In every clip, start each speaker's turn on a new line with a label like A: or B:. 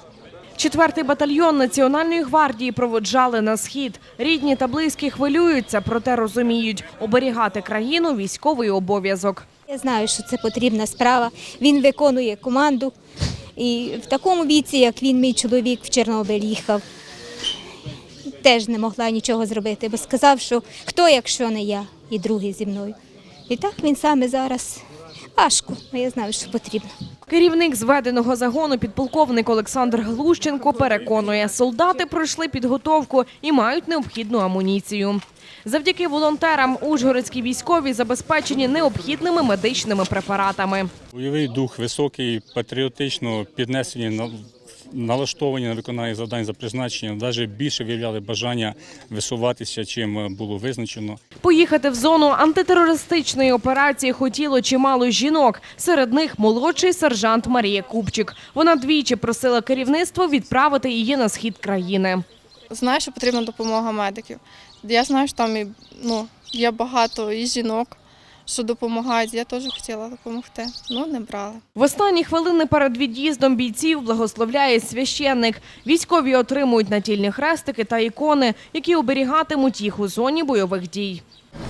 A: 4-й батальйон Національної гвардії проводжали на схід. Рідні та близькі хвилюються, проте розуміють – оберігати країну – військовий обов'язок.
B: Я знаю, що це потрібна справа. Він виконує команду. І в такому віці, як він, мій чоловік, в Чорнобиль їхав, теж не могла нічого зробити, бо сказав, що хто, якщо не я, і другий зі мною. І так він саме зараз важко, але я знаю, що потрібно.
A: Керівник зведеного загону підполковник Олександр Глущенко переконує, солдати пройшли підготовку і мають необхідну амуніцію. Завдяки волонтерам ужгородські військові забезпечені необхідними медичними препаратами.
C: Бойовий дух високий, патріотично піднесені, налаштовані на виконання завдань за призначенням, навіть більше виявляли бажання висуватися, чим було визначено.
A: Поїхати в зону антитерористичної операції хотіло чимало жінок. Серед них молодший сержант Марія Купчик. Вона двічі просила керівництво відправити її на схід країни.
D: Знаю, що потрібна допомога медиків. Я знаю, що там є багато і жінок, що допомагають. Я теж хотіла допомогти, але не брала.
A: В останні хвилини перед від'їздом бійців благословляє священник. Військові отримують натільні хрестики та ікони, які оберігатимуть їх у зоні бойових дій.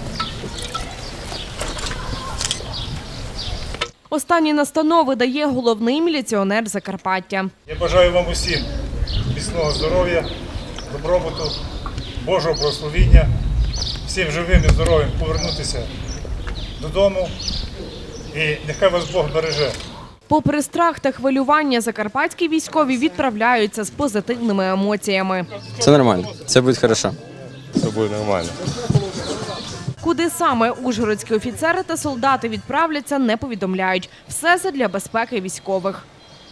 A: Останні настанови дає головний міліціонер Закарпаття.
E: Я бажаю вам усім міцного здоров'я, добробуту, Божого благословіння, всім живим і здоровим повернутися додому і нехай вас Бог береже.
A: Попри страх та хвилювання, закарпатські військові відправляються з позитивними емоціями.
F: Це нормально, це буде добре.
E: Все буде нормально.
A: Куди саме ужгородські офіцери та солдати відправляться, не повідомляють. Все задля безпеки військових.